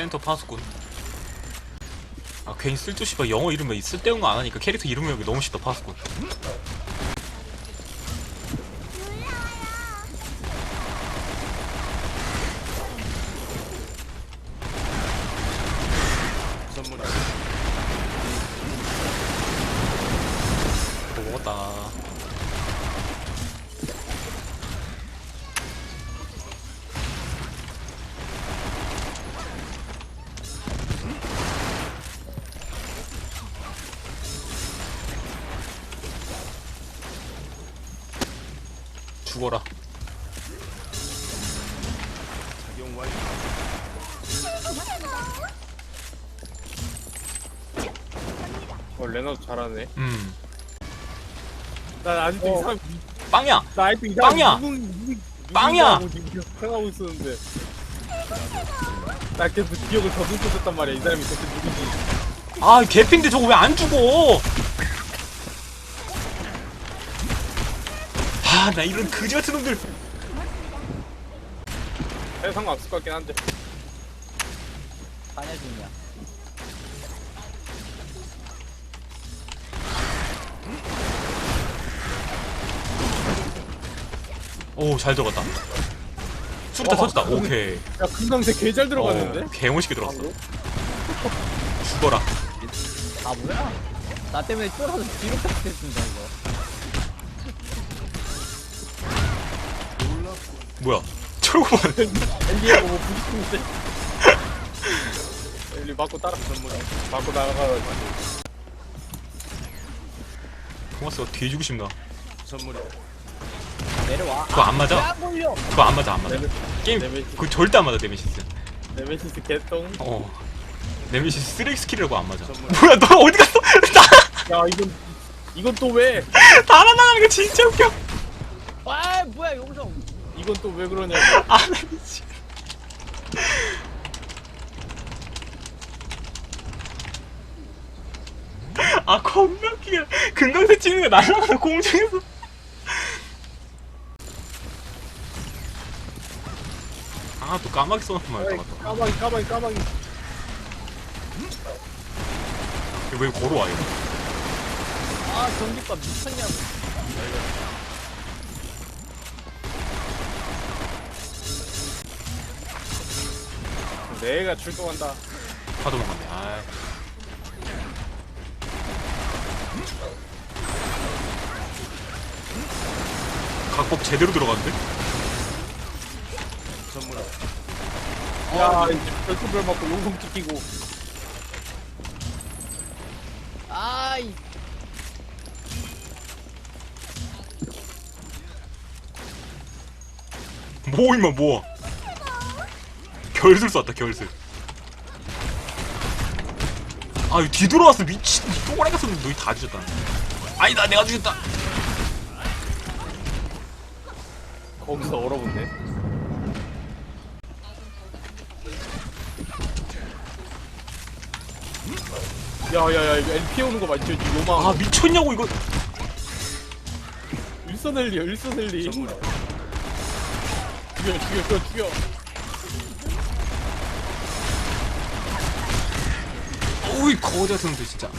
센터 파수꾼. 아 괜히 쓸데없이 막 영어 이름 쓸데없는 거 안 하니까 캐릭터 이름 외우기 너무 쉽다. 파수꾼. 선물이 먹었다. 죽어라. 작용 완료. 레나도 잘하네. 난 아직도 이상 빵이야. 나 아직도 빵이야! 빵이야! 생각하고 있었는데 나 계속 기억을 더듬었단 말이야. 이 사람이 대체 누구지? 아 개핀데 저거 왜 안 죽어? 아 나 이런 그지 같은 놈들. 해 상관없을 것 같긴 한데. 사냐 중이야. 오 잘 들어갔다. 수류탄 터졌다. 오케이. 야 금강새 개 잘 들어갔는데? 개멋있게 들어갔어. 죽어라. 아 뭐야? 나 때문에 쫄아서 뒤로 깎겠습니다 이거. 뭐야? 철구만. 엔디하고 뭐 부딪히는데? 엘리 맞고 따라 맞고 나가가지고 토마스가 뒤지고 싶나? 선물이 내려와. 그거 안 맞아? 야 몰려. 그거 안 맞아 안 맞아. 게임 네메시스. 그거 절대 안 맞아 네메시스. 네메시스 개똥. 네메시스 쓰레기 스킬이라고 안 맞아. 선물. 뭐야 너 어디 갔어? 야 이건 또 왜? 달아나가는 게 진짜 웃겨. 아 뭐야 용성. 이건 또 왜 그러냐고. 아 나 미치. 아 겁나 웃기게 금강새 찍는 거 날아가서 공중에서. 아 또 까마귀 써놓고 말했다. 까마귀. 왜 걸어와 이거? 아 전기밥 미쳤냐고. 내가 출동한다. 다 도망갔네. 아. 각법 제대로 들어갔는데? 선물이 야 이제 별투별 맞고 용성 찍히고. 아이. 뭐 임마 뭐? 결슬 쐈다 결슬. 아 이거 뒤돌아왔어 미친. 똥꼬랑 갔었는데 너희 다 뒤졌다. 아니다 내가 뒤졌다. 거기서 얼어붙네. 야야야 이거 엘 피우는 거 맞죠? 요망. 아 미쳤냐고 이거. 일선엘리야. 선물이 죽여. 어이 거지 같은 놈들 진짜.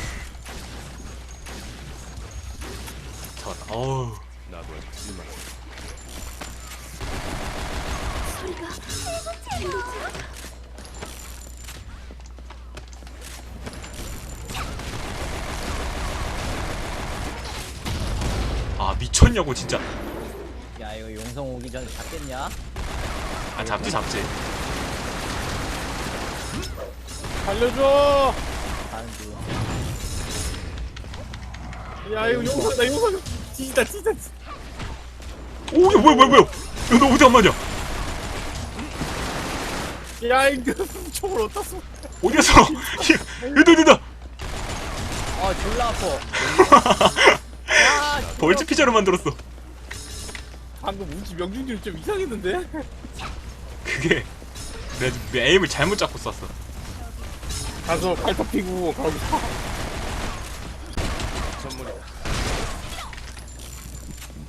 잡았다. 어우. 나도 이만 아 미쳤냐고 진짜. 야 이거 용성 오기 전에 잡겠냐? 아 잡지 잡지. 살려줘. 가는 중. 야 이거 용성 나 용성 뒤지다. 오야 뭐야. 야 너 어디 안 맞냐? 야 이거 총을 어디다 쏘? 어디 갔어? 여기다. 아 졸라 아파. 야 벌집 피자로 만들었어. 방금 우지 명중률 좀 이상했는데? 그게 내가 에임을 잘못 잡고 쐈어. 가서 팔top 피고 가고. 선물이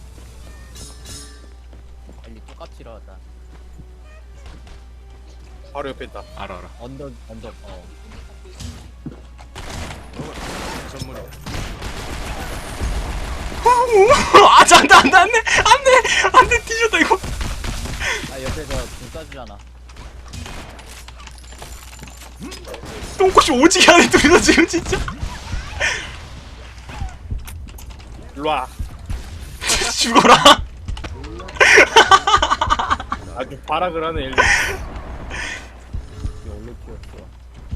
빨리 똑같이 일어났다. 바로 옆에 있다. 알아. 언덕 선물이다. 아, 안돼 뒤졌다 이거. 아 옆에서 좀 쏴주잖아. 똥꼬시 오지게 하네 둘이서 지금 진짜. 일로와. 죽어라. 아주 발악을 하네 엘리. 이게 올로 튀었어.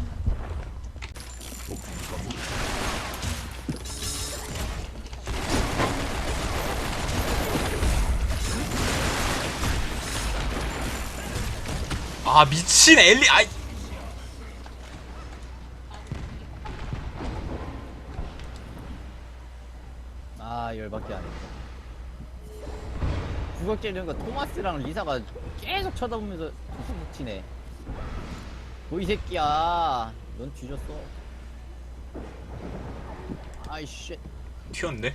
아 미친 엘리. 아이. 아 열받게 하네. 구석 찌르는 거 토마스랑 리사가 계속 쳐다보면서 훅 치네. 뭐 이 새끼야. 넌 뒤졌어. 아이 쉣. 튀었네.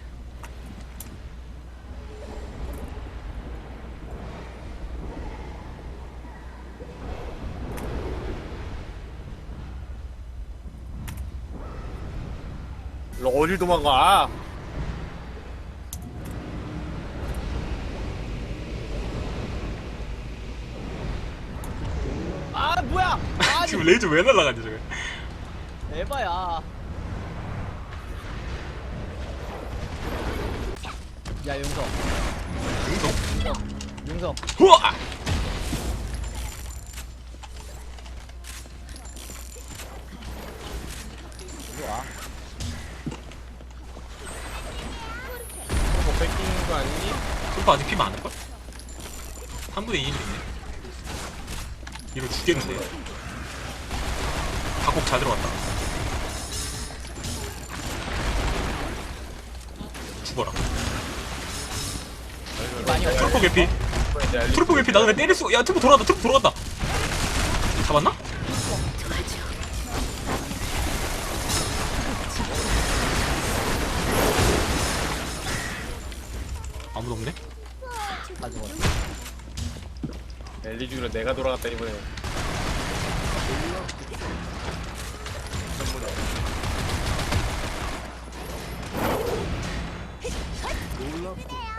일로 어딜 도망가? 아 뭐야? 아 지금 레이저 왜 날라가지 저게? 에바야. 야 용성. 용성. 우와. 이리 와. 뭐 뺏기는 거 아니니? 솔파 아직 피 많을걸? 3분의 2일 있네. 이거 죽겠는데. 각곡 잘 들어갔다. 죽어라. 많이 왔어. 트루퍼 개피. 트루퍼 개피. 나는 왜 때릴 수? 야 트루퍼 돌아간다. 트루퍼 돌아간다. 잡았나? 아무도 없네. 다 죽었어. 엘리 중으로 내가 돌아갔다 이번에. 놀랍고